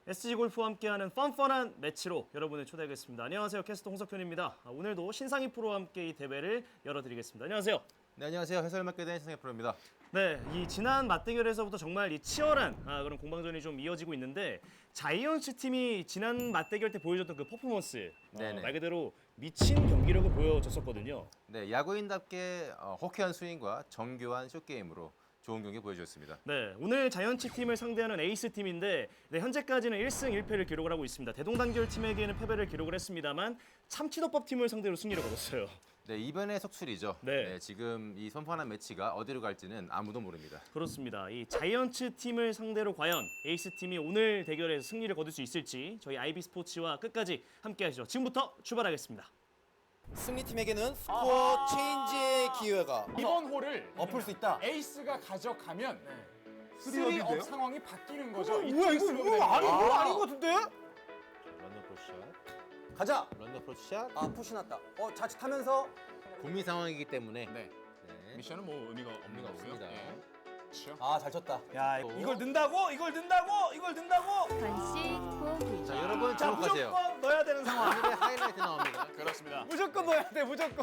SG 골프와 함께하는 펀펀한 매치로 여러분을 초대하겠습니다. 안녕하세요, 캐스터 홍석현입니다. 오늘도 신상희 프로와 함께 이 대회를 열어드리겠습니다. 안녕하세요. 네, 안녕하세요. 해설 맡게 된 신상희 프로입니다. 네, 이 지난 맞대결에서부터 정말 이 치열한 그런 공방전이 좀 이어지고 있는데 자이언츠 팀이 지난 맞대결 때 보여줬던 그 퍼포먼스 말 그대로 미친 경기력을 보여줬었거든요. 네, 야구인답게 호쾌한 스윙과 정교한 숏게임으로 좋은 경기 보여주었습니다. 네, 오늘 자이언츠 팀을 상대하는 에이스 팀인데 현재까지는 1승 1패를 기록을 하고 있습니다. 대동단결 팀에게는 패배를 기록을 했습니다만 참치덮밥 팀을 상대로 승리를 거뒀어요. 네, 이번에 속출이죠. 네. 지금 이 선판한 매치가 어디로 갈지는 아무도 모릅니다. 그렇습니다. 이 자이언츠 팀을 상대로 과연 에이스 팀이 오늘 대결에서 승리를 거둘 수 있을지 저희 IB 스포츠와 끝까지 함께하시죠. 지금부터 출발하겠습니다. 승리팀에게는 스코어 체인지의 기회가 이번 홀을 엎을 수 있다. 에이스가 가져가면 쓰리업인데요? 쓰리업 상황이 바뀌는 거죠. 뭐야 이거 아닌 것 같은데? 런너 프로샷, 가자. 런너 프로샷. 아 푸시 났다. 자칫하면서 고민 상황이기 때문에 네. 미션은 뭐 의미가 없는 거고요. 없습니다. 그렇죠. 잘 쳤다. 야, 이걸 넣는다고? 이걸 넣는다고? 간식 보기. 자, 여러분 자, 주목하세요. 무조건 넣어야 되는 상황. 오늘의 하이라이트 나옵니다. 그렇습니다. 무조건 넣어야 돼, 무조건.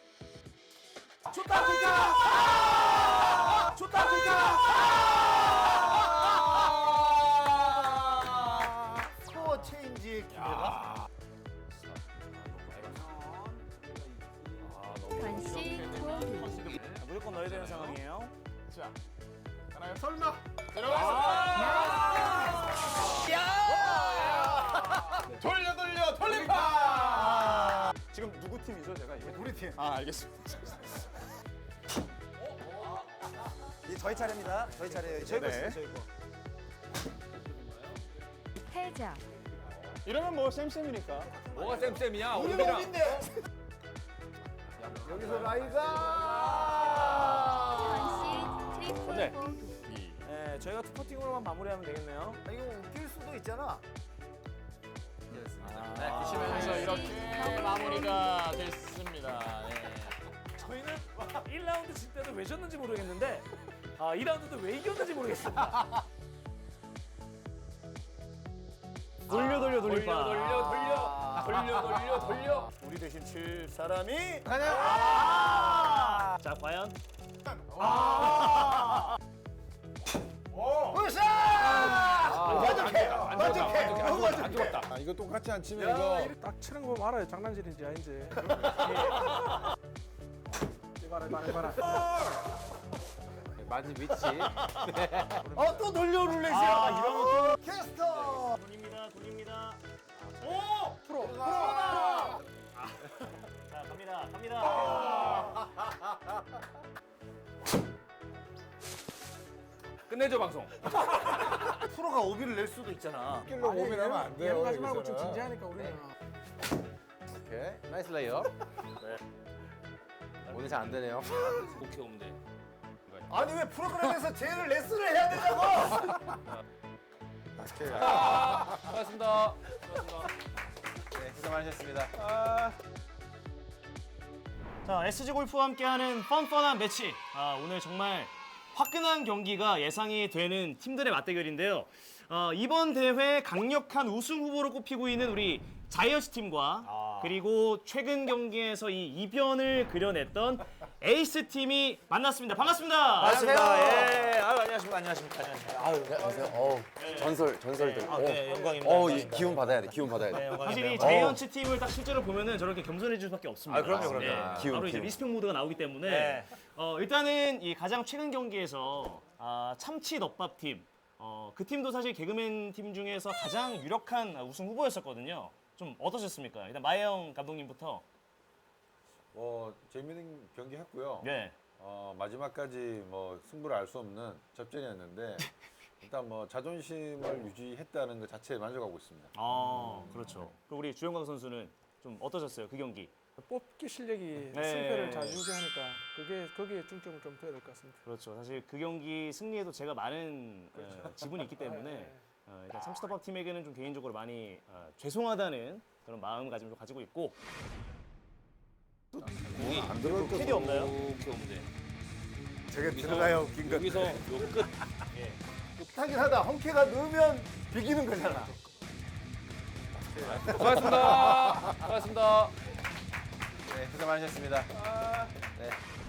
스코어 체인지의 기회가 간식 보기. 무조건 넣어야 되는 상황이에요. 자, 하나요? 설마 들어가서 돌립니다. 지금 누구 팀이죠, 제가 이게? 우리 팀. 알겠습니다. 이제 저희 차례입니다. 저희 차례예요. 저희 거 네. 있어요, 저희 거. 패자. 이러면 뭐 쌤쌤이니까. 뭐가 쌤쌤이야? 우리랑 어딘데? 여기서 라이가 간식 트리플 네. 보기. 네, 저희가 투퍼팅으로만 마무리하면 되겠네요. 이거 웃길 수도 있잖아. 그래서 이렇게 마무리가 됐습니다. 네. 저희는 1라운드 질 때도 왜 졌는지 모르겠는데 2라운드도 왜 이겼는지 모르겠습니다. 돌려. 우리 대신 칠 사람이 자, 과연 안 죽었다. 이거 똑같이 안 치면 이거 딱 치는 거 보면 알아요. 장난질인지 아닌지. 해봐라. 맞은 위치. 또 돌려 룰렛이야. 이러면 캐스터. 돌립니다. 프로. 자, 갑니다. 끝내줘 방송. 프로가 오비를 낼 수도 있잖아. 길로 고민하면 안 돼요. 가지 말고 좀 여기서는. 진지하니까 우리는. 오케이, 나이스 레이어. 오늘 잘 안 되네요. 오케이 옵니다. 아니 왜 프로그램에서 제일 레슨을 해야 되냐고. 수고하셨습니다. 네, 고생 많으셨습니다. 자, SG 골프와 함께하는 펀펀한 매치. 오늘 정말 화끈한 경기가 예상이 되는 팀들의 맞대결인데요. 이번 대회 강력한 우승 후보로 꼽히고 있는 우리 자이언츠 팀과 그리고 최근 경기에서 이 이변을 그려냈던 에이스 팀이 만났습니다. 반갑습니다. 반갑습니다. 예. 안녕하십니까. 전설들. 네, 영광입니다. 기운 받아야 돼. 사실 이 자이언츠 팀을 딱 실제로 보면은 저렇게 겸손해질 수밖에 없습니다. 그럼요. 바로 이제 리스펙 모드가 나오기 때문에 일단은 이 가장 최근 경기에서 참치 덮밥 팀, 그 팀도 사실 개그맨 팀 중에서 가장 유력한 우승 후보였었거든요. 좀 어떠셨습니까? 일단 마혜영 감독님부터. 재밌는 경기 했고요. 네. 마지막까지 뭐 승부를 알 수 없는 접전이었는데 일단 뭐 자존심을 유지했다는 것 자체에 만족하고 있습니다. 그렇죠. 그리고 우리 주영광 선수는 좀 어떠셨어요? 그 경기? 뽑기 실력이 네. 승패를 좌지우지하니까 거기에 중점을 좀 둬야 될 것 같습니다. 그렇죠. 사실 그 경기 승리에도 제가 많은 지분이 있기 때문에 일단 참치덮밥 팀에게는 좀 개인적으로 많이 죄송하다는 그런 마음가짐을 좀 가지고 있고. 안 들어올 거 캐디 없나요? 저게 들어가야 웃긴 건데. 여기서 요 끝. 하긴 하다. 헝케가 넣으면 비기는 거잖아. 수고하셨습니다. 수고하셨습니다. 네, 고생 많으셨습니다. 네.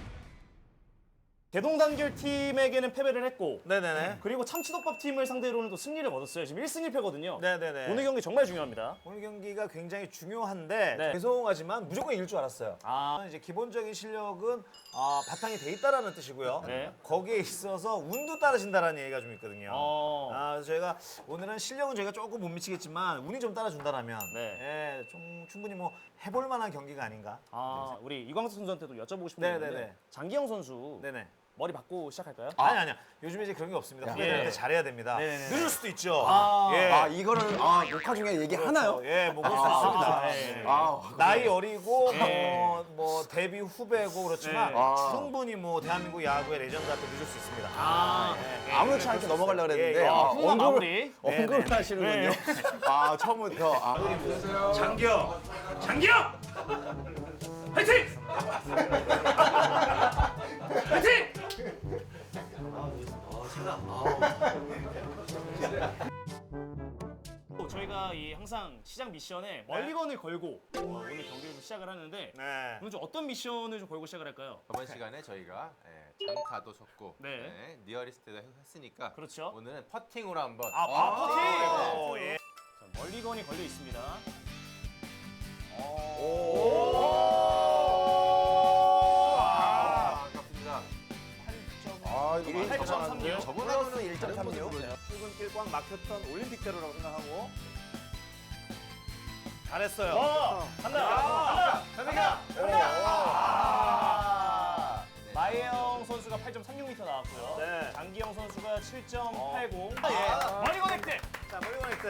대동단결 팀에게는 패배를 했고 네네네. 그리고 참치덮밥 팀을 상대로는 또 승리를 얻었어요. 지금 1승 1패거든요. 네네네. 오늘 경기 정말 중요합니다. 오늘 경기가 굉장히 중요한데 네. 죄송하지만 무조건 이길 줄 알았어요. 이제 기본적인 실력은 바탕이 돼 있다라는 뜻이고요. 네. 거기에 있어서 운도 따라준다라는 얘기가 좀 있거든요. 어. 그래서 저희가 오늘은 실력은 저희가 조금 못 미치겠지만 운이 좀 따라준다라면 네. 좀 충분히 뭐 해볼 만한 경기가 아닌가. 우리 이광석 선수한테도 여쭤보고 싶은 게 네네네. 있는데 장기영 선수 네네. 머리 받고 시작할까요? 아니야. 요즘에 이제 그런 게 없습니다. 후배들한테 잘해야 됩니다. 네네네. 늦을 수도 있죠. 이거를 녹화 중에 얘기하나요? 뭐 그럴 수 있습니다. 네. 나이 어리고 뭐 데뷔 후배고 그렇지만 네. 충분히 뭐 대한민국 야구의 레전드 앞에 늦을 수 있습니다. 아무렇지 않게 넘어가려고 그랬는데 예. 훈훈한 마무리. 언급을 하시는군요. 처음부터 장기영! 화이팅! 화이팅! 저희가 항상 시작 미션에 멀리건을 걸고 오늘 경기를 좀 시작을 하는데 네. 오늘 좀 어떤 미션을 좀 걸고 시작을 할까요? 저번 시간에 저희가 장타도 쳤고 네. 니어리스트도 했으니까 그렇죠. 오늘은 퍼팅으로 한번 퍼팅! 예. 자, 멀리건이 걸려 있습니다. 아깝습니다. 이거 8.36. 저번하고는 1.36. 출근길 꽉 막혔던 올림픽대로라고 생각하고 잘했어요. 간다! 마예영 선수가 8.36m 나왔고요. 네. 장기영 선수가 7.80. 멀리건 획득! 자, 멀리건 획득.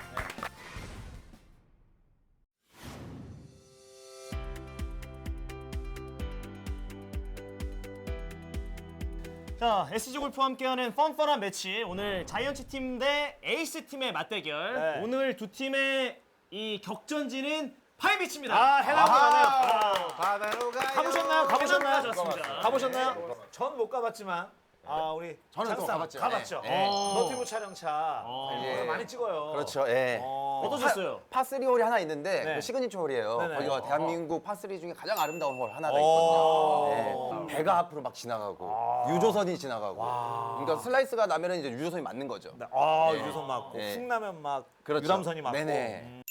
자, SG 골프와 함께하는 펀펀한 매치. 오늘 자이언츠 팀 대 에이스 팀의 맞대결. 네. 오늘 두 팀의 이 격전지는 파이비치입니다. 해남도 가네요. 바다로 가요. 가보셨나요? 좋습니다. 가보셨나요? 전 못 가봤지만 우리 저는 또 장사 가봤죠. 가봤죠. 네. 너튜브 촬영차 거기서 많이 찍어요. 그렇죠. 예. 어떠셨어요? 파3 홀이 하나 있는데 네. 그 시그니처 홀이에요. 네네. 거기가 대한민국 파3 중에 가장 아름다운 홀 하나가 있거든요. 네. 배가 앞으로 막 지나가고 유조선이 지나가고. 그러니까 슬라이스가 나면은 이제 유조선이 맞는 거죠. 유조선 맞고 네. 풍라면 막 그렇죠. 유람선이 맞고. 네네.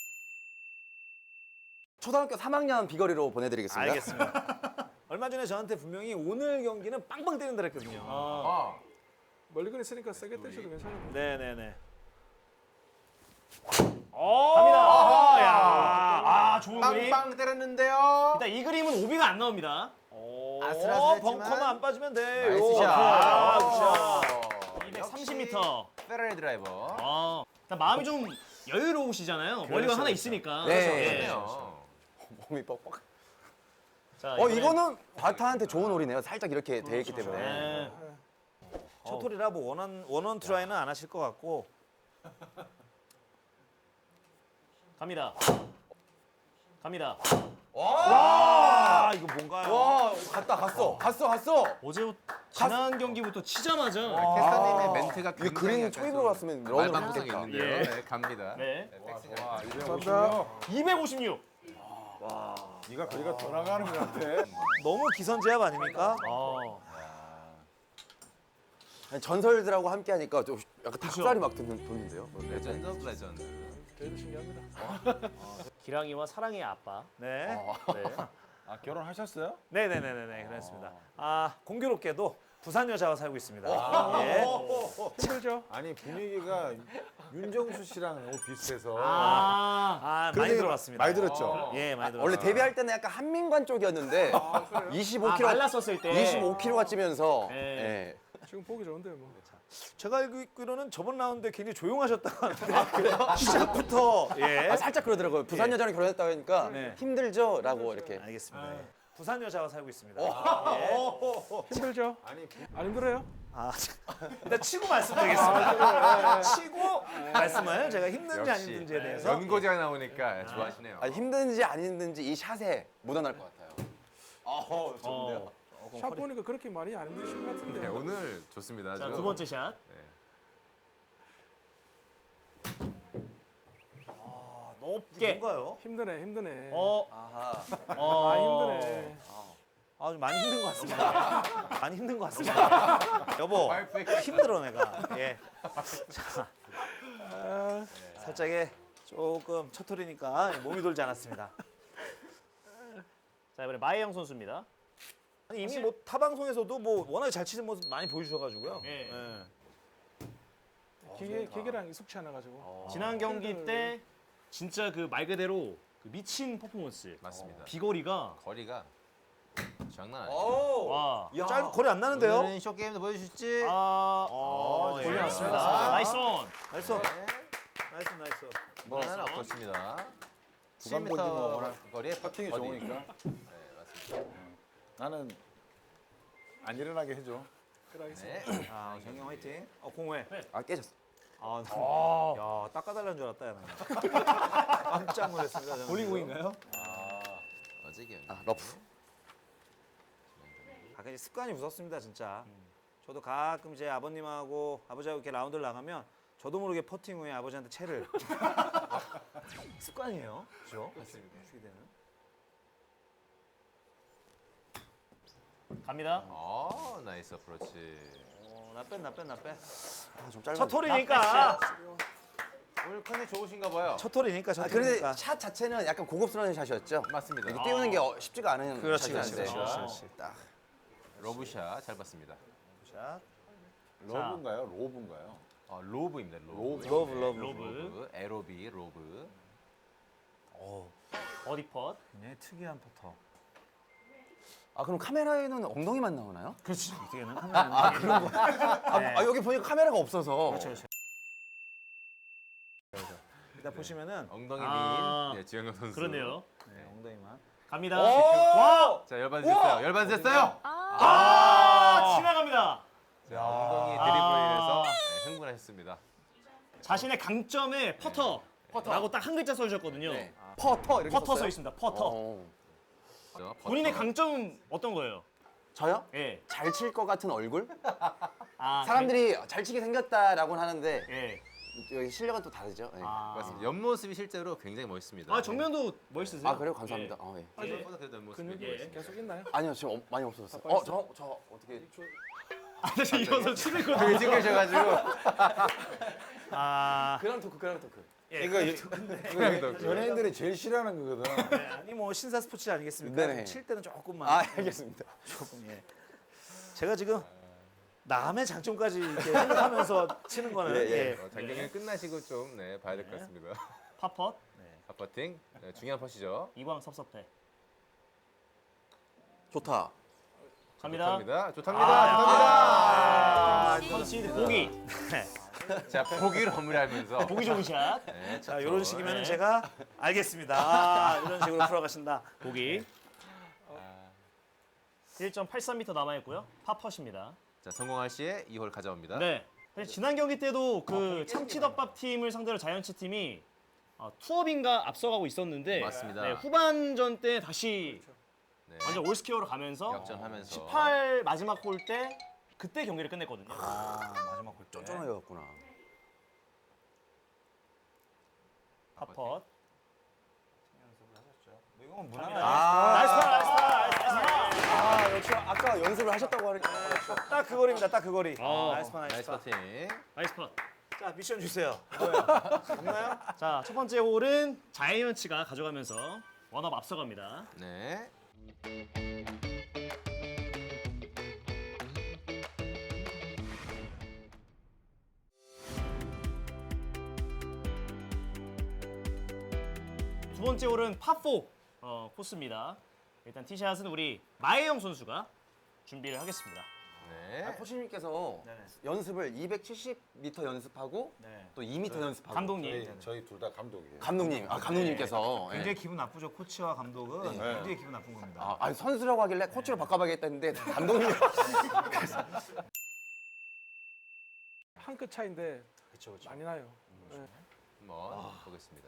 초등학교 3학년 비거리로 보내드리겠습니다. 알겠습니다. 얼마 전에 저한테 분명히 오늘 경기는 빵빵 때린다 그랬거든요. 멀리건 있으니까 세게 때셔도 괜찮은데. 네네네. 갑니다. 좋은 그림. 빵빵 때렸는데요. 일단 이 그림은 오비가 안 나옵니다. 아슬아슬했지만 벙커만 안 빠지면 돼요. 나이스 샷. 아, 굿샷. 230m. 페라리 드라이버. 일단 마음이 좀 여유로우시잖아요. 멀리건 하나 있으니까. 네. 예. 그렇네요. 몸이 뻑뻑. 자, 이거는 바타한테 좋은 홀이네요. 살짝 이렇게 돼 있기 때문에. 네. 첫 홀이라 뭐 원원 트라이는 안 하실 것 같고. 갑니다. 이거 뭔가요? 와, 갔어. 어제 지난 경기부터 치자마자 캐스터님의 멘트가 이게 그린 초입으로 왔으면 런으로 말방구석이 갔겠다. 있는데요. 예. 네, 갑니다. 네. 감사합니다. 256. 네가 거리가 더 나가는 것 같아. 너무 기선제압 아닙니까? 아니, 전설들하고 함께 하니까 좀 약간 닭살이 막 돋는데요. 레전드 오브 레전드. 저희도 신기합니다. 기랑이와 사랑의 아빠. 네. 네. 결혼하셨어요? 네네네네 그렇습니다. 공교롭게도 부산 여자와 살고 있습니다. 예. 힘들죠? 아니 분위기가 윤정수 씨랑 너무 비슷해서. 많이 들어봤습니다. 많이 들었죠? 예, 많이 들었어요. 원래 데뷔할 때는 약간 한민관 쪽이었는데 25kg 말랐었을 때. 25kg가 찌면서 네. 예. 지금 보기 좋은데 뭐. 제가 알고 있기로는 저번 라운드에 굉장히 조용하셨다고 하는데 시작부터 예. 살짝 그러더라고요. 부산 여자랑 결혼했다고 하니까 네. 힘들죠?라고 이렇게. 알겠습니다. 예. 부산 여자와 살고 있습니다. 힘들죠? 안 힘들어요? 일단 치고 말씀드리겠습니다. 치고 말씀을 제가 힘든지 안 역시 힘든지에 대해서 연고지가 나오니까 좋아하시네요. 아니, 힘든지 안 힘든지 이 샷에 묻어날 것 같아요. 좋은데요. 샷 보니까 그렇게 많이 안 힘드신 것 같은데. 네, 오늘 좋습니다. 자, 아주. 두 번째 샷. 너무 좁게. 뭔가요? 힘드네. 아하. 힘드네. 아, 좀 많이 힘든 것 같습니다. 많이 힘든 것 같습니다. 여보, 힘들어 내가. 예. 자, 살짝의 조금 첫 톨이니까 몸이 돌지 않았습니다. 자, 이번에 마혜영 선수입니다. 아니, 이미 뭐 타 방송에서도 뭐 워낙에 잘 치는 모습 많이 보여주셔가지고요. 예. 기계랑 익숙치 않아가지고. 지난 경기 때 진짜 그 말 그대로 그 미친 퍼포먼스. 맞습니다. 비거리가 거리가 장난 아니에요. 와. 짧은 거리 안 나는데요? 오늘은 쇼게임도 보여주실지. 아, 예. 돌려놨습니다. 아. 나이스 온. 나이스. 네. 나이스. 뭐 하나 없었습니다. 구간 보기 뭐 워낙 7m 거리에 퍼팅이 버디. 좋으니까. 네, 맞습니다. 나는 안 일어나게 해줘. 네. 아, 정영 화이팅. 공회. 아 깨졌어. 야, 닦아달라는 줄 알았다, 야, 나. 깜짝 놀랐습니다. 저는. 볼링공인가요? 어제 경기. 러프. 가끔 이제 습관이 무섭습니다, 진짜. 저도 가끔 제 아버님하고 아버지하고 이렇게 라운드를 나가면 저도 모르게 퍼팅 후에 아버지한테 채를. 습관이에요, 그죠? 맞습니다. 주게 되는. 갑니다. 나이스 어프로치. 나 뺀. 좀 짧아. 첫 톨이니까. 오늘 컨디 좋으신가 봐요. 첫 톨이니까, 첫 그런데 톨이니까. 샷 자체는 약간 고급스러운 샷이었죠. 맞습니다. 이게 띄우는 게 쉽지가 않은 그렇지. 샷이었는데. 딱. 러브샷 잘 봤습니다. 자, 러브인가요? 로브인가요? 로브입니다. 로브. 러브. 로브. 에로비 로브. 어디 펫. 굉장히 특이한 퍼터. 아 그럼 카메라에는 엉덩이만 나오나요? 그렇지. 이게는 카메라. 여기 보니까 카메라가 없어서. 그렇죠. 일단 보시면은 엉덩이 아. 민. 네, 지영현 선수. 그러네요. 네, 엉덩이만. 갑니다. 와! 자, 열반됐어요. 열반됐어요. 지나갑니다. 자, 엉덩이 드리블에 인해서 흥분하셨습니다. 자신의 강점에 퍼터라고 딱 한 글자 써주셨거든요. 네. 퍼터 이렇게 퍼터 써 썼어요? 있습니다. 퍼터. 버터. 본인의 강점은 어떤 거예요? 저요? 예. 잘 칠 것 같은 얼굴? 아, 사람들이 잘 치게 생겼다라고는 하는데 예. 여기 실력은 또 다르죠. 예. 맞습니다. 옆모습이 실제로 굉장히 멋있습니다. 아, 정면도 멋있으세요? 아 그래요? 감사합니다. 예. 생각보다 그래도 옆모습이 근육이 멋있습니다. 계속 있나요? 아니요 지금 많이 없어졌어요. 저 어떻게? 아, 저 이번 선수 치는 거 되게 찍으셔가지고. 그랑 토크. 이거 연예인들이 제일 싫어하는 거거든. 아니 뭐 신사 스포츠 아니겠습니까? 네네. 칠 때는 조금만. 아 알겠습니다. 조금 예. 제가 지금 남의 장점까지 이렇게 생각하면서 치는 거는 예. 장경이 끝나시고 좀 봐야 될 것 같습니다. 팝펫. 팟퍼팅 중요한 퍼시죠. 이광 섭섭해. 좋다. 갑니다. 좋답니다. 컨시드 보기. 자, 보기를 허물하면서. 보기 좋은 샷. 네, 자 이런 식이면은 네. 제가 알겠습니다. 이런 식으로 풀어가신다. 보기. 1.83m 남아있고요. 팝펫입니다. 자, 성공할 시에 2홀 가져옵니다. 네. 사실 지난 경기 때도 그 참치덮밥 팀을 상대로 자이언츠 팀이 투업인가 앞서가고 있었는데 맞습니다. 네, 후반전 때 다시 네. 완전 올스퀘어로 가면서 역전하면서 18 마지막 홀 때 그때 경기를 끝냈거든요. 마지막 골 때. 쫀쫀하게였구나. 팝펫. 이건 무난하다. 나이스 파, 나이스 파, 나이스 파. 아 역시 아까 연습을 하셨다고 하니까. 딱 그 거리입니다. 딱 그 거리. 나이스 파. 나이스 퍼팅. 나이스 파. 자 미션 주세요. 없나요? 자, 첫 번째 홀은 자이언츠가 가져가면서 원업 앞서갑니다. 네. 두 번째 홀은 파4 코스입니다. 일단 티샷은 우리 마혜영 선수가 준비를 하겠습니다. 네. 코치님께서 연습을 270m 연습하고 네. 또 2m 연습하고. 감독님. 저희 둘 다 감독이에요. 감독님께서. 예. 굉장히 기분 나쁘죠. 코치와 감독은 굉장히 기분 나쁜 겁니다. 아니 선수라고 하길래 코치로 바꿔봐야겠다 했는데 감독님이 한 끗 차인데 그렇죠. 많이 나요. 네. 한번 보겠습니다.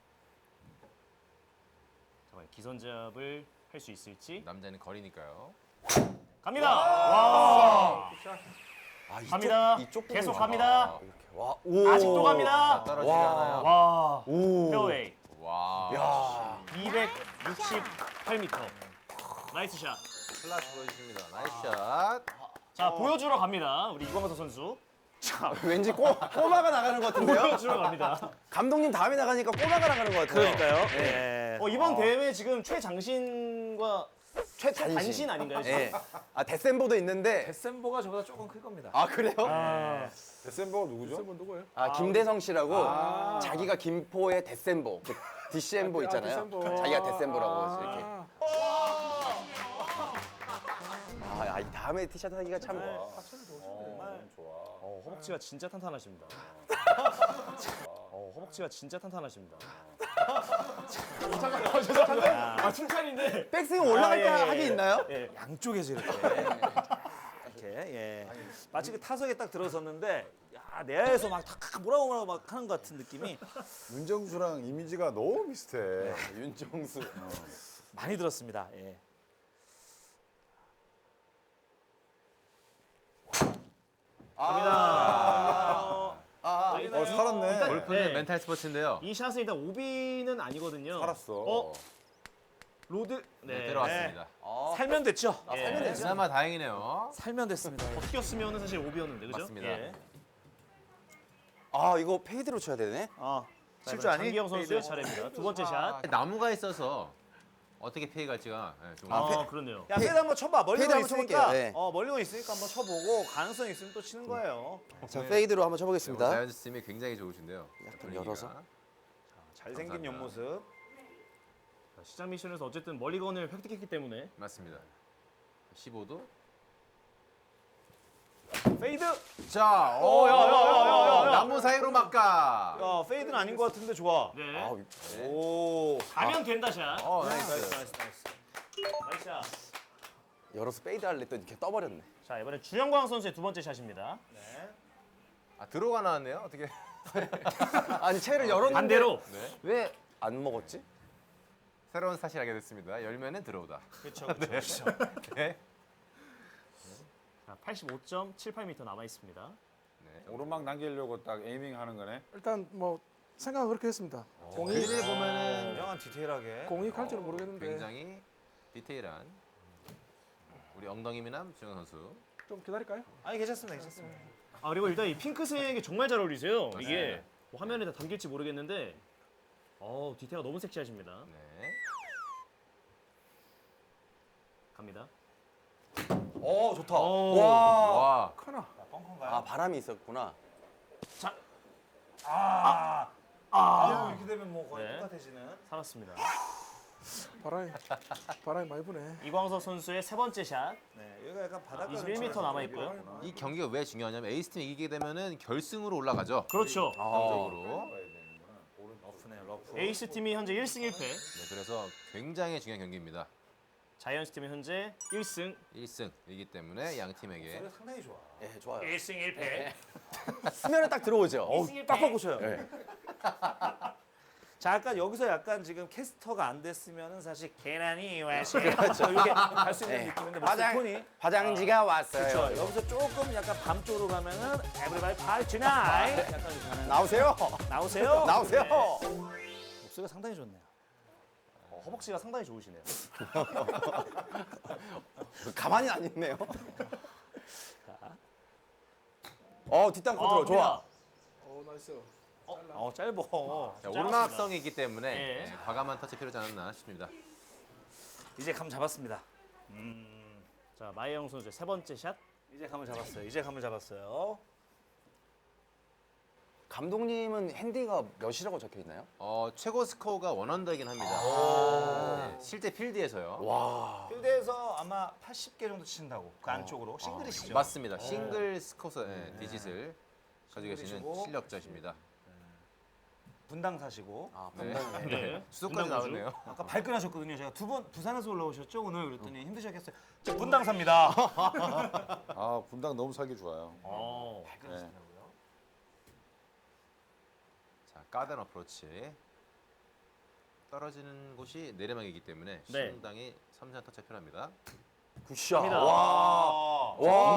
정말 기선제압을 할 수 있을지. 남자는 거리니까요. 갑니다. 와. 갑니다. 이쪽 부분이 계속 많아. 갑니다. 와, 오. 아직도 갑니다. 떨어지지 않아요. 와. 오. 페어웨이. 와. 68m. 나이스 샷. 클라스 보여주십니다. 나이스 샷. 자, 보여주러 갑니다. 우리 이광서 선수. 왠지 꼬마가 나가는 것 같은데요? 보여주러 갑니다. 감독님 다음에 나가니까 꼬마가 나가는 것 같아요. 그러니까요. 예. 이번 대회 지금 최장신과 최단신. 단신 아닌가요? 지금? 예. 아 데센보도 있는데. 데센보가 저보다 조금 클 겁니다. 아 그래요? 데센버가 누구죠? 데센버 누구예요? 아 김대성 씨라고 자기가 김포의 데센보, 그 디셈보 있잖아요. 디셈보. 자기가 데센보라고 이렇게. 이 다음에 티셔츠 하기가 참. 허벅지가 진짜 탄탄하십니다. 허벅지가 진짜 탄탄하십니다. 아, 칭찬인데. 백스윙 올라갈 때 예, 하기 예. 있나요? 예. 양쪽에서 이렇게. 예. 마치 그 타석에 딱 들어섰는데 야, 내야에서 막 뭐라고 막 하는 것 같은 느낌이 윤정수랑 이미지가 너무 비슷해. 윤정수. 많이 들었습니다. 예. 살았네. 골프는 네. 멘탈 스포츠인데요. 이 샷은 일단 오비는 아니거든요. 살았어. 로드. 네, 들어왔습니다. 살면 됐죠. 살면 됐죠. 그나마 다행이네요. 살면 됐습니다. 예. 벗겼으면 사실 오비였는데, 그죠? 맞습니다. 예. 아 이거 페이드로 쳐야 되네. 실주 아니? 장기영 선수의 차례입니다. 두 번째 샷. 나무가 있어서 어떻게 피해 갈지가 좀 그렇네요. 야, 페이드 한번 쳐봐. 멀리건 페이드 한번 있으니까. 쳐볼게요. 네. 멀리건 있으니까 한번 쳐보고 가능성 있으면 또 치는 거예요. 자 페이드로 한번 쳐보겠습니다. 자연스 팀이 굉장히 좋으신데요. 약간 분위기가. 열어서. 잘생긴 감사합니다. 옆모습. 자, 시작 미션에서 어쨌든 멀리건을 획득했기 때문에 맞습니다. 15도. 페이드. 자, 야. 나무 사이로 막가. 야, 페이드는 아닌 것 같은데 좋아. 네. 오. 가면 된다 샷. 나이스. 나이스 샷. 열어서 페이드 할래 또 이렇게 떠버렸네. 자, 이번엔 주영광 선수의 두 번째 샷입니다. 들어가 나왔네요. 어떻게? 아니 채를 열었는데 반대로. 왜 안 먹었지? 새로운 스타트를 하게 됐습니다. 열면은 들어오다. 그렇죠. 네. 자, 85.78m 남아 있습니다. 네. 오르막 남기려고 딱 에이밍 하는 거네. 일단 뭐 생각은 그렇게 했습니다. 공이 그림을 보면은 굉장한 디테일하게. 공이 갈지는 모르겠는데 굉장히 디테일한 우리 엉덩이 미남 주영 선수. 좀 기다릴까요? 아니 괜찮습니다. 그리고 일단 이 핑크색이 정말 잘 어울리세요. 이게 뭐 화면에 다 담길지 모르겠는데, 디테일가 너무 섹시하십니다. 네. 갑니다. 좋다. 와. 커나. 아 바람이 있었구나. 이렇게 되면 뭐 거의 네. 똑같아지는. 살았습니다. 바람이 많이 부네. 이광석 선수의 세 번째 샷. 네, 여기가 약간 바닥. 21m 남아 있고요. 이 경기가 왜 중요하냐면 에이스팀이 이기게 되면은 결승으로 올라가죠. 그렇죠. 정적으로. 러프네, 러프. 에이스 팀이 현재 1승 1패. 네, 그래서 굉장히 중요한 경기입니다. 자이언츠 팀이 현재 1승 1승이기 때문에 양 팀에게 상당히 좋아. 예 좋아요. 1승 1패. 수면에 딱 들어오죠. 딱 바꾸셔요. 네. 자, 약간 여기서 약간 지금 캐스터가 안 됐으면은 사실 계란이 와시 그렇죠. 이렇게 갈 수 있는 네. 느낌인데 화장- 톤이 화장지가 왔어요. 그렇죠. 여기서 조금 약간 밤 쪽으로 가면은 everybody party tonight 약간 이렇게 가는 나오세요. 나오세요. 나오세요. 목소리가 상당히 좋네요. 허벅지가 상당히 좋으시네요. 가만히 안 있네요. 뒷땅 컨트롤 좋아. 나이스. 짧어. 자, 오르막성이 있기 때문에 네. 과감한 터치 필요하지 않았나 싶습니다. 이제 감 잡았습니다. 자, 마혜영 선수의 세 번째 샷. 이제 감을 잡았어요. 이제 감을 잡았어요. 감독님은 핸디가 몇이라고 적혀 있나요? 최고 스코어가 원언더이긴 합니다. 네, 실제 필드에서요. 와. 필드에서 아마 80개 정도 치신다고 그 안쪽으로 싱글이시죠. 맞습니다. 싱글 스코어 디짓을 가지고 계시는 싱글이시고. 실력자십니다. 분당 사시고 네. 네. 수도까지 분당구주. 나왔네요. 아까 발끈하셨거든요. 제가 두 번 부산에서 올라오셨죠 오늘 그랬더니 힘드셨겠어요. 저 분당 삽니다. 분당 너무 살기 좋아요. 네. 자, 가든 어프로치. 떨어지는 곳이 내리막이기 때문에 네. 상당히 섬세한 터치가 필요합니다. 굿샷. 갑니다. 와.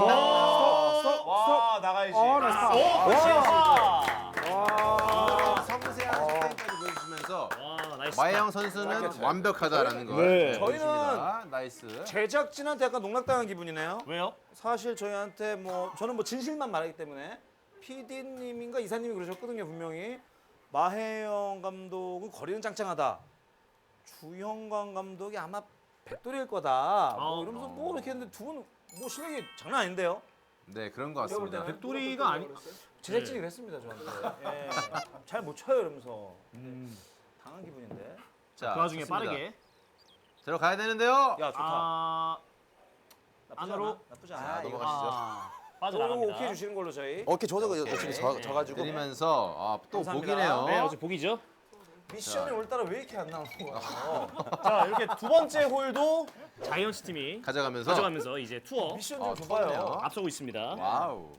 와 나가야지. 나이스 파. 섬세한 스페인까지 해주시면서 와, 나이스. 마혜영 선수는 완벽하다라는 걸 네. 보여줍니다. 나이스. 제작진한테 약간 농락당한 기분이네요. 왜요? 사실 저희한테 뭐 저는 뭐 진실만 말하기 때문에 PD님인가 이사님이 그러셨거든요 분명히. 마혜영 감독은 거리는 짱짱하다. 주형광 감독이 아마 백돌일 거다. 뭐 이러면서 뭐 이렇게 했는데 두 분 뭐 실력이 장난 아닌데요? 네, 그런 것 같습니다. 백돌이가 아니. 제작진이 그랬습니다 저한테. 예. 잘 못 쳐요 이러면서. 당한 기분인데. 자, 그 와중에 좋습니다. 빠르게. 들어가야 되는데요. 야 좋다. 아, 나쁘지 안으로. 않아. 나쁘지 않아. 자, 넘어가시죠. 빠져나갑니다. 오케이 주시는 걸로 저희. 어깨 저도 어차피 져가지고. 드리면서 또 감사합니다. 복이네요. 네, 어제 복이죠. 미션이 오늘따라 왜 이렇게 안 나오는 거야? 자, 이렇게 두 번째 홀도 자이언츠 팀이 가져가면서 이제 투어 미션 좀 줘봐요. 투어네요. 앞서고 있습니다. 와우.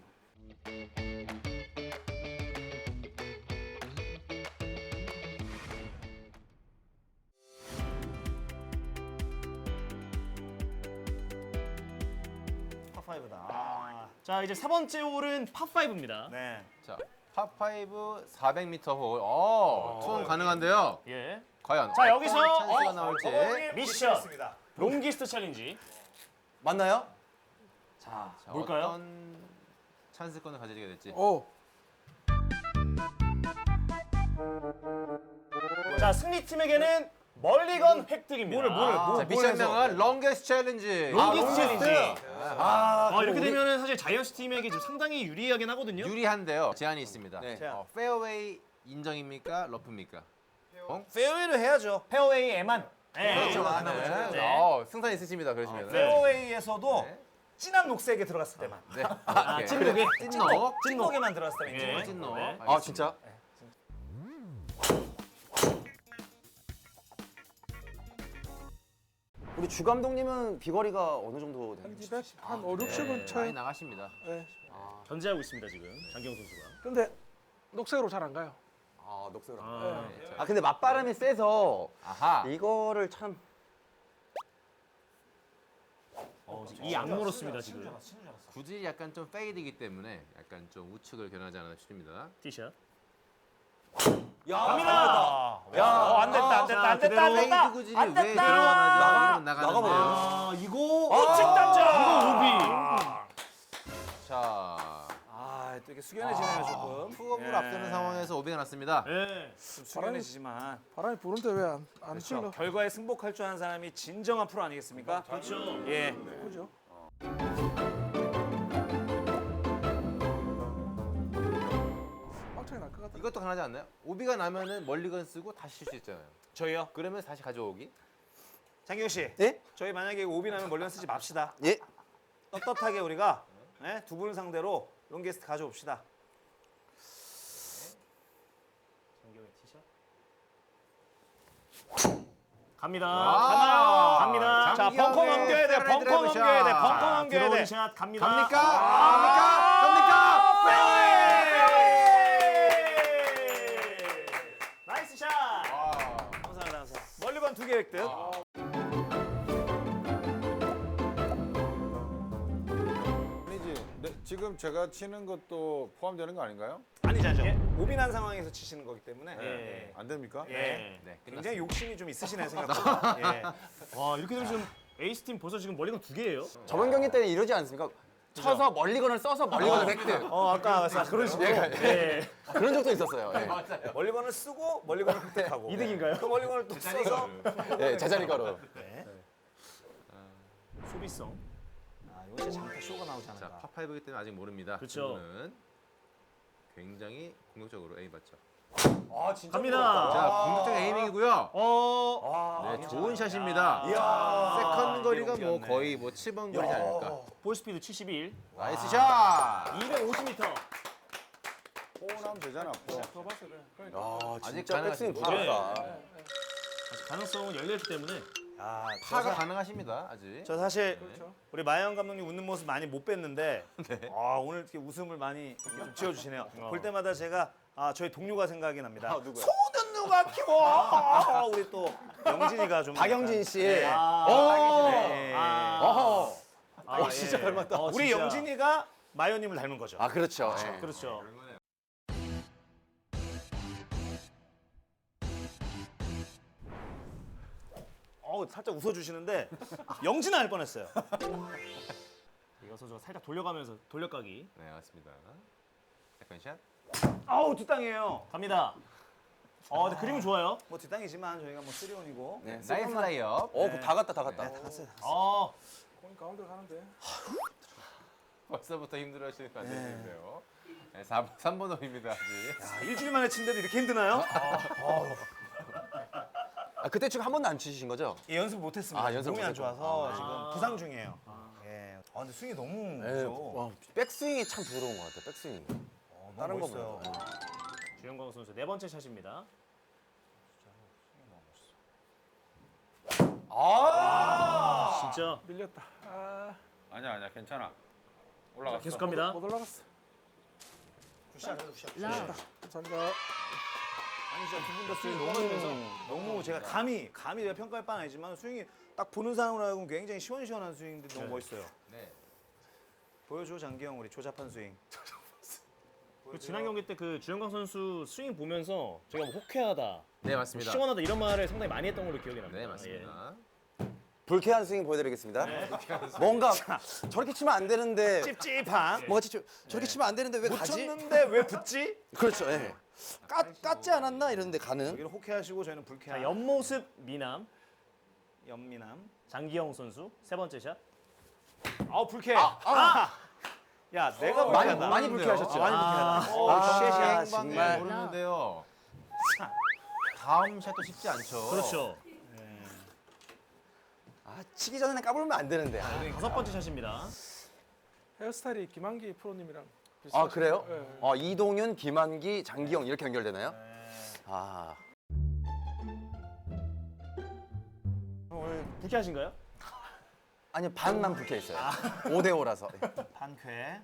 파5다. 자, 이제 세 번째 홀은 파5입니다. 네. 자, 파5 400m 홀. 투혼 가능한데요. 예. 과연 자, 여기서 찬스가 나올지. 미션 롱기스트 챌린지. 맞나요? 자, 뭘까요? 어떤 찬스권을 가지게 될지. 오. 자, 승리팀에게는 멀리건 획득입니다. 자, 미션명은 롱게스트 챌린지. 롱기스트 챌린지. 아, 이렇게 되면은 사실 자이언츠 팀에게 지금 상당히 유리하긴 하거든요. 유리한데요. 제한이 있습니다. 네. 페어웨이 인정입니까? 러프입니까? 페어웨이를 해야죠. 페어웨이에만. 네. 그렇죠. 네. 승산 있으시면 그러시면. 페어웨이에서도 네. 진한 녹색에 들어갔을 때만. 네. 아, 찐녹에. 찐녹. 찐녹에만 들어갔을 때만. 예. 인정. 찐녹. 네. 아 진짜? 우리 주 감독님은 비거리가 어느 정도 되나요? 200, 한 5, 60은 많이 쳐요. 나가십니다. 견제하고 있습니다, 지금. 장경 선수가. 근데 녹색으로 잘 안 가요. 아 녹색으로. 아, 아 근데 맞바람이 세서 아하. 이거를 참. 이 악물었습니다, 지금. 굳이 약간 좀 페이드이기 때문에 약간 좀 우측을 겨냥하지 않았나 싶습니다. 티샷. 갑니다. 야, 안 됐다, 안 됐다, 안 됐다, 안 페이드 됐다. 구질이 안 왜 됐다. 들어가나요? 나가버려요. 아, 이거 우측 담장. 이거 오비. 자, 아, 또 이게 숙연해지네요 조금. 투업을 예. 앞서는 상황에서 오비가 났습니다. 네. 좀 숙연해지지만 바람이 부는데 왜 안 그렇죠. 흘러? 결과에 승복할 줄 아는 사람이 진정한 프로 아니겠습니까? 그렇죠. 예. 그죠? 빡차게 날 것 같아. 이것도 가능하지 않나요? 오비가 나면은 멀리건 쓰고 다시 칠 수 있잖아요. 저희요. 그러면 다시 가져오기. 장경 씨. 예? 저희 만약에 오비 나면 멀리건 쓰지 맙시다. 예. 떳떳하게 우리가 예? 두 분을 상대로 롱게스트 가져옵시다. 장경의 티샷. 갑니다. 와. 갑니다. 자, 벙커 넘겨야 돼. 벙커 넘겨야 돼. 벙커 넘겨야 돼. 드로운 샷 갑니다. 갑니까? 아. 갑니까? 나이스 샷. 감사합니다. 감사합니다. 멀리건 2개 획득. 아니지. 네, 지금 제가 치는 것도 포함되는 거 아닌가요? 아니죠. 오비 난 상황에서 치시는 거기 때문에 예. 안 됩니까? 예. 네, 굉장히 욕심이 좀 있으시네 생각보다. 예. 와, 이렇게 되면 지금 에이스 팀 벌써 지금 멀리건 2개예요. 저번 경기 때는 이러지 않습니까? 쳐서 멀리건을 써서 멀리건을 획득. 아까 말씀 그런 식으로 네. 그런 적도 있었어요. 멀리건을 쓰고 멀리건을 획득하고 이득인가요? 그 멀리건을 또 써서 예, 예 제자리가로. 소비성. 아, 이거 진짜 장타 쇼가 나오지 자, 않을까. 파5이기 때문에 아직 모릅니다. 그쵸. 이분은 굉장히 공격적으로 에임 받죠. 아, 진짜 갑니다. 자, 공격적 에이밍이고요. 아, 네, 좋은 샷입니다. 세컨 거리가 뭐 거의 뭐 7번 거리지 않을까. 볼 스피드 71. 나이스 샷. 250m. 포함하면 되잖아. 아 아직 진짜 백스윙 가능하시죠? 부드럽다. 가능성은 열려있기 때문에. 야, 파가 가능하십니다. 아직. 저 사실 우리 마영 감독님 웃는 모습 많이 못 뵀는데 아, 오늘 이렇게 웃음을 많이 좀 지어주시네요. 볼 때마다 제가 저희 동료가 생각이 납니다. 누구야? 소는 누가 키워? 우리 또 영진이가 좀 박영진 씨. 예. 어. 예. 어, 진짜 닮았다. 우리 진짜. 영진이가 마요님을 닮은 거죠. 아 그렇죠. 예. 그렇죠. 너무 살짝 웃어주시는데 영진 할 뻔했어요. 이거 선수가 살짝 돌려가면서 돌려가기 네, 맞습니다. 세컨샷. 아우 뒷땅이에요. 갑니다. 근데 그림은 좋아요. 뭐 뒷땅이지만 저희가 뭐 3온이고. 네. 나이스 라이업. 다 갔다 다 갔다. 네, 다 갔어요. 공이 가운데 가는데. 벌써부터 힘들어하시는 거 안 되는데요. 네, 3번 홀입니다, 아직. 야, 일주일 만에 친데도 이렇게 힘드나요? 그때 지금 한 번도 안 치신 거죠? 예, 연습 못했습니다. 연습 몸이 안 못했구나. 좋아서 지금 부상 중이에요. 예. 근데 스윙이 너무 네. 무서워. 와, 백스윙이 참 부러운 것 같아요. 백스윙. 너무 다른 거 멋있어요. 보면. 주영광 선수 네 번째 샷입니다. 진짜 밀렸다. 아니야 괜찮아. 자, 올라갔어. 계속 갑니다. 못 올라갔어. 굿샷, 굿샷. 감사합니다. 아니 진짜 두 분 다 스윙 너무 너무 제가 감히 내가 평가할 바는 아니지만 스윙이 딱 보는 사람으로 하여금 굉장히 시원시원한 스윙인데 너무 멋있어요. 네. 보여줘 장기영 우리 조잡한 스윙. 그 지난 경기 때 그 주영광 선수 스윙 보면서 제가 뭐 호쾌하다, 네, 맞습니다. 시원하다 이런 말을 상당히 많이 했던 걸로 기억이 납니다. 네, 맞습니다. 불쾌한 스윙 보여드리겠습니다. 뭔가 저렇게 치면 안 되는데 찝찝한. 뭔가 저렇게 치면 안 되는데 왜 못 가지? 쳤는데 왜 붙지? 그렇죠. 예. 깠지 않았나 이러는데 가는. 여기는 호쾌하시고 저희는 불쾌한. 자, 옆모습 미남 연미남. 장기영 선수 세 번째 샷. 불쾌. 야 내가 많이 불쾌하다. 많이 불쾌하셨죠? 많이 불쾌하다. 아, 쉣이야. 정말. 모르는데요. 다음 샷도 쉽지 않죠. 그렇죠. 치기 전에 까불면 안 되는데. 다섯 번째 샷입니다. 헤어스타일이 김한기 프로님이랑 아 그래요? 네. 이동윤, 김한기, 장기영 이렇게 연결되나요? 아 오늘 불쾌하신가요? 아니 반만 불쾌 있어요. 5대 5라서. 반쾌.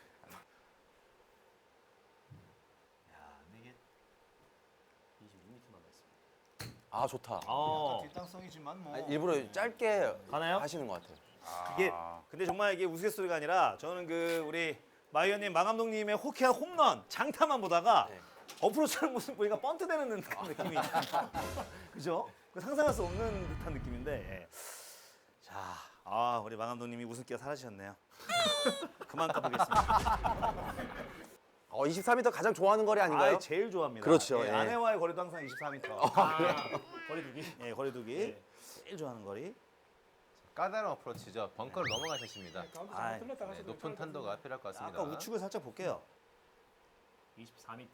아 좋다. 뒷땅성이지만 뭐. 일부러 짧게 가나요? 하시는 것 같아요. 이게 근데 정말 이게 우스갯소리가 아니라 저는 그 우리 마이언님 마감독님의 호쾌한 홈런 장타만 보다가 네. 어프로치하는 모습 보니까 번트되는 듯한 느낌이 그죠? 그 상상할 수 없는 듯한 느낌인데 예. 자, 우리 마감독님이 웃음기가 사라지셨네요. 그만 까보겠습니다. 23m 가장 좋아하는 거리 아닌가요? 제일 좋아합니다. 그렇죠, 예, 예. 아내와의 거리도 항상 24m. 거리두기. 예, 거리두기. 제일 좋아하는 거리. 까다로운 어프로치죠. 벙커를 넘어가셨습니다. 가운데 아이, 잘못 들렀다가 네, 높은 탄도가 필요할 것 같습니다. 아까 우측을 살짝 볼게요. 24m.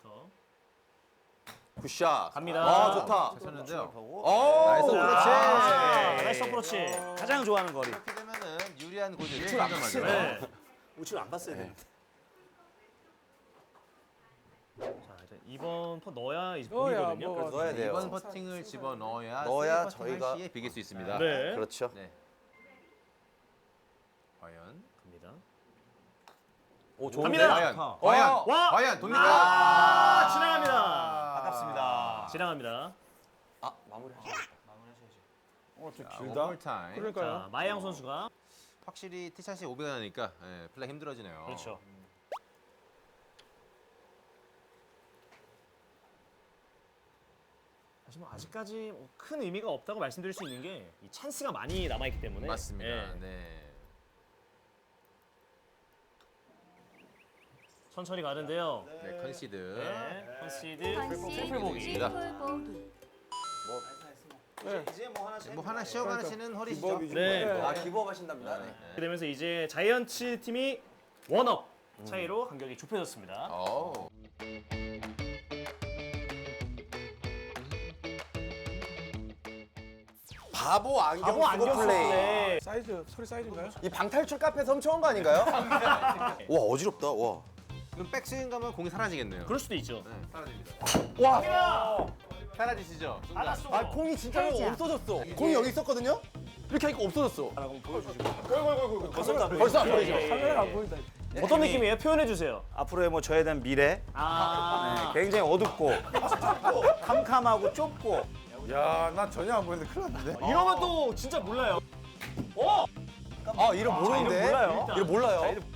굿샷. 갑니다. 아 좋다. 잘 쳤는데요. 보고 나이스 오, 그렇지. 나이스 어프로치. 가장 좋아하는 거리. 이렇게 되면은 유리한 고지를 우측을 안 선점하죠. 봤어요. 네. 우측을 안 봤어야 되는데. 자, 일단 이번 퍼 넣어야 이제 넣어야 보이거든요. 뭐- 그래서 넣어야 돼요. 이번 퍼팅을 집어 넣어야 넣어야 세이브 퍼팅을 저희가- 시에 비길 수 있습니다. 네. 그렇죠. 네. 과연 갑니다. 오 좋은데. 갑니다. 과연 와! 과연 돕니까? 지나갑니다. 아깝습니다. 지나갑니다. 마무리하시죠. 길다. 타임. 그러니까요. 자, 마혜영 선수가 확실히 티샷이 오비가 나니까 플레이 힘들어지네요. 그렇죠. 사실 뭐 아직까지 뭐큰 의미가 없다고 말씀드릴 수 있는 게 이 찬스가 많이 남아있기 때문에 맞습니다. 예. 네. 천천히 가는데요. 네, 컨시드. 네, 컨시드 컨시 트리플 보기. 트리플 보기. 이제 뭐 하나씩 뭐 하나 쉬어가시는 허리시죠? 네. 아 기부업 하신답니다. 네. 그렇게 되면서 이제 자이언츠 팀이 원업 차이로 간격이 좁혀졌습니다. 오. 바보 안경 바보 쓰고 안경 플레이. 쓰네. 사이즈 소리 사이즈인가요? 이 방탈출 카페에서 훔쳐온 거 아닌가요? 와 어지럽다. 와. 그럼 백스윙 가면 공이 사라지겠네요. 그럴 수도 있죠. 네, 사라집니다. 와. 사라지시죠? 순간. 아 공이 진짜 살짝. 없어졌어. 공이 여기 있었거든요. 이렇게 하니까 없어졌어. 벌써 안 보이죠? 카메라가 안 보인다. 어떤 느낌이에요? 표현해 주세요. 앞으로의 뭐 저에 대한 미래 굉장히 어둡고 캄캄하고 좁고 야, 난 전혀 안 보이는데 큰일 났는데. 이러면 또 진짜 몰라요. 아 이름 모르는데. 몰라요. 이름 몰라요.